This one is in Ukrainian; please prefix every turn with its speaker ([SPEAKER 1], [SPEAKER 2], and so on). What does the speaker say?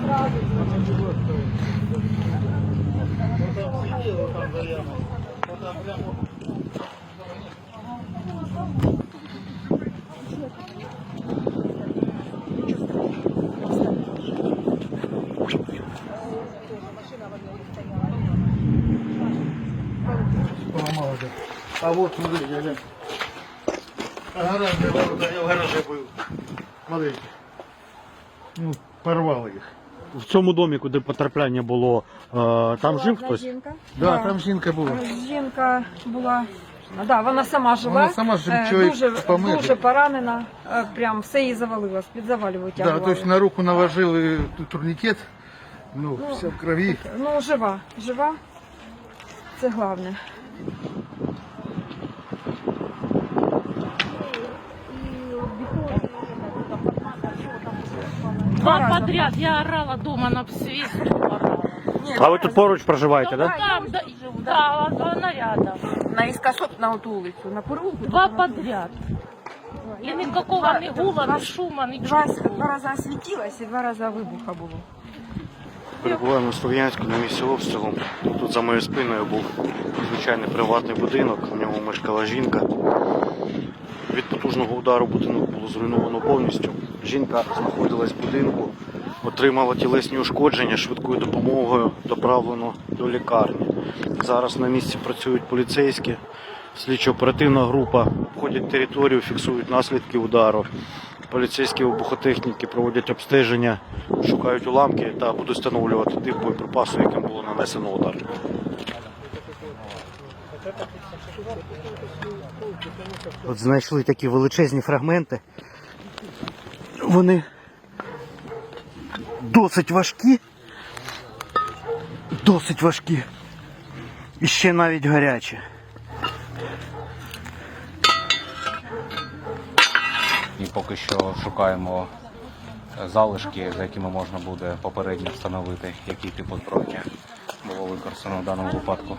[SPEAKER 1] А вот, смотри, я гаражные ворота, я в гараже был. Смотри. Ну, порвало їх.
[SPEAKER 2] В цьому домі, куди потрапляння було, там жив хтось?
[SPEAKER 3] Жінка.
[SPEAKER 1] Да, там жінка була.
[SPEAKER 3] Жінка була, да, вона сама жива,
[SPEAKER 1] Вона сама жива, чоловік помер.
[SPEAKER 3] дуже поранена, прям все її завалило, під завалів
[SPEAKER 1] Да,
[SPEAKER 3] витягували.
[SPEAKER 1] то есть на руку наложили турникет, ну, все в крови.
[SPEAKER 3] Ну, жива, це головне.
[SPEAKER 4] Два подряд я орала дома на свист, орала.
[SPEAKER 2] А ви тут поруч проживаєте,
[SPEAKER 4] Ну,
[SPEAKER 2] так?
[SPEAKER 4] там, да, вона рядом.
[SPEAKER 3] Наискосок на ту вулицю, на переулку.
[SPEAKER 4] Два подряд. И никакого ни гула, ни шума, ничего.
[SPEAKER 3] Два рази освітилась і два рази вибуха було.
[SPEAKER 2] Перебуваємо в Слов'янську на місці обстрілу. Тут за моєю спиною був звичайний приватний будинок, в ньому мешкала жінка. Від потужного удару будинок було зруйновано повністю. Жінка знаходилась в будинку, отримала тілесні ушкодження, швидкою допомогою доправлено до лікарні. Зараз на місці працюють поліцейські, слідчо-оперативна група, обходять територію, фіксують наслідки удару. Поліцейські вибухотехніки проводять обстеження, шукають уламки та будуть встановлювати тип боєприпасу, яким було нанесено удар. От знайшли такі величезні фрагменти. Вони досить важкі і ще навіть гарячі.
[SPEAKER 5] І поки що шукаємо залишки, за якими можна буде попередньо встановити, який тип озброєння було використано в даному випадку.